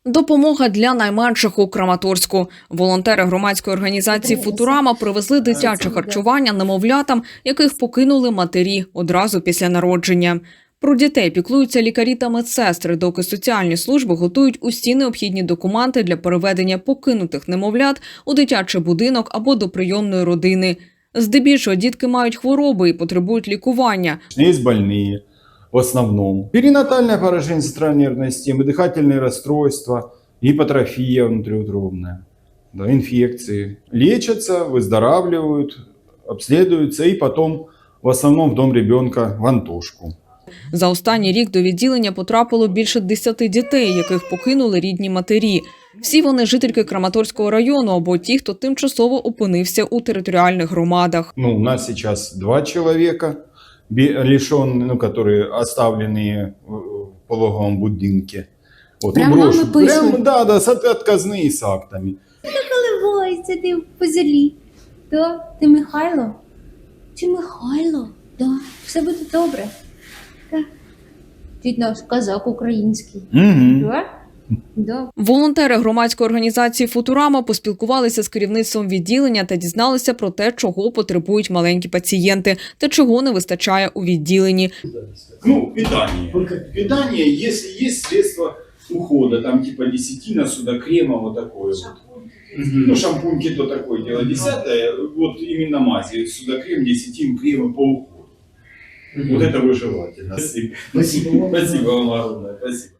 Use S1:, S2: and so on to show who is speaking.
S1: Допомога для найменших у Краматорську. Волонтери громадської організації «Футурама» привезли дитяче харчування немовлятам, яких покинули матері одразу після народження. Про дітей піклуються лікарі та медсестри, доки соціальні служби готують усі необхідні документи для переведення покинутих немовлят у дитячий будинок або до прийомної родини. Здебільшого дітки мають хвороби і потребують лікування.
S2: Є больні, в основном. Перинатальное поражение центральной нервной системы, дыхательные расстройства, гипотрофия внутриутробная, да, инфекции. Лечатся, выздоравливают, обследуются и потом в основном в дом ребенка в Антошку.
S1: За останній рік до відділення потрапило більше 10 дітей, яких покинули рідні матері. Всі вони жительки Краматорського району або ті, хто тимчасово опинився у територіальних громадах.
S2: У нас сейчас 2 человека, лишенные, которые оставлены в пологовом будинке. Вот,
S3: Прямо нам написано?
S2: Прямо, да, с отказные с актами.
S3: Наливайся ти по зелі. Да? Ти Михайло? Чи Михайло? Да. Все буде добре. Так. Ти наш казак український.
S2: Угу.
S3: Да? Да.
S1: Волонтери громадської організації «Футурама» поспілкувалися з керівництвом відділення та дізналися про те, чого потребують маленькі пацієнти та чого не вистачає у відділенні.
S2: Питание. Питание, если есть средства ухода, там типа десятина, судокрема, вот такое вот. Шампуньки то такое дело. 10-е, вот именно мази, судокрем, десятин, крема по уходу. Вот это вы желательно. Спасибо. Спасибо вам огромное. Спасибо.